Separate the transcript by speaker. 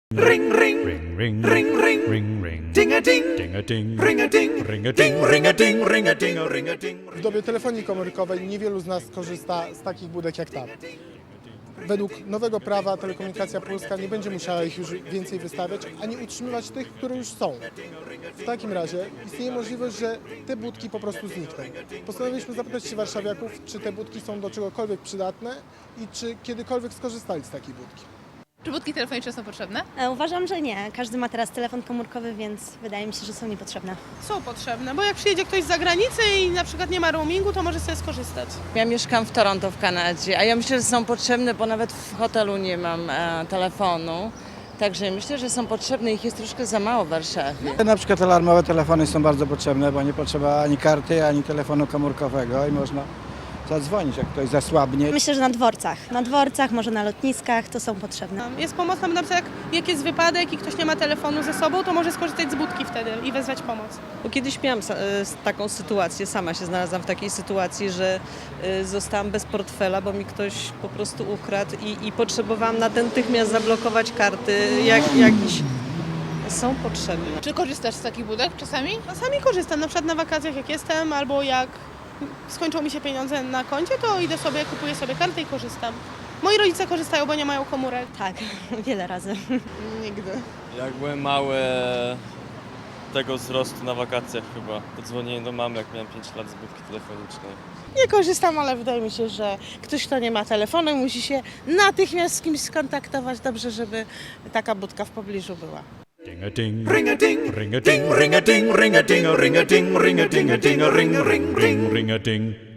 Speaker 1: Ring ring ring ring ring ring ring ring ding a ding ding a ding ring a ding ring a ding ring a ding ring a ding ring a ding.
Speaker 2: W dobie telefonii komórkowej niewielu z nas korzysta z takich budek jak ta. Według nowego prawa Telekomunikacja Polska nie będzie musiała ich już więcej wystawiać, ani utrzymywać tych, które już są. W takim razie istnieje możliwość, że te budki po prostu znikną. Postanowiliśmy zapytać się warszawiaków, czy te budki są do czegokolwiek przydatne i czy kiedykolwiek skorzystali z takiej budki.
Speaker 3: Czy budki telefoniczne są potrzebne?
Speaker 4: Uważam, że nie. Każdy ma teraz telefon komórkowy, więc wydaje mi się, że są niepotrzebne.
Speaker 5: Są potrzebne, bo jak przyjedzie ktoś z zagranicy i na przykład nie ma roamingu, to może sobie skorzystać.
Speaker 6: Ja mieszkam w Toronto w Kanadzie, a ja myślę, że są potrzebne, bo nawet w hotelu nie mam telefonu. Także myślę, że są potrzebne, ich jest troszkę za mało w Warszawie.
Speaker 7: Na przykład alarmowe telefony są bardzo potrzebne, bo nie potrzeba ani karty, ani telefonu komórkowego i można zadzwonić, jak ktoś zasłabnie.
Speaker 4: Myślę, że na dworcach, może na lotniskach to są potrzebne.
Speaker 5: Jest pomocna, bo na przykład jak jest wypadek i ktoś nie ma telefonu ze sobą, to może skorzystać z budki wtedy i wezwać pomoc.
Speaker 8: Bo kiedyś miałam taką sytuację, sama się znalazłam w takiej sytuacji, że zostałam bez portfela, bo mi ktoś po prostu ukradł i potrzebowałam natychmiast zablokować karty, jakieś są potrzebne.
Speaker 3: Czy korzystasz z takich budek czasami?
Speaker 5: Czasami korzystam, na przykład na wakacjach jak jestem, albo jak skończą mi się pieniądze na koncie, to idę sobie, kupuję sobie kartę i korzystam. Moi rodzice korzystają, bo nie mają komórek.
Speaker 4: Tak, wiele razy.
Speaker 5: Nigdy.
Speaker 9: Jak byłem mały, tego wzrostu na wakacjach chyba. Dzwoniłem do mamy, jak miałem 5 lat z budki telefonicznej.
Speaker 10: Nie korzystam, ale wydaje mi się, że ktoś, kto nie ma telefonu, musi się natychmiast z kimś skontaktować. Dobrze, żeby taka budka w pobliżu była.
Speaker 1: Ding a ding ring a ding ring a ding ring a ding ring a ding ring a ding ring a ding ring a ding ring ring ring ring a ding.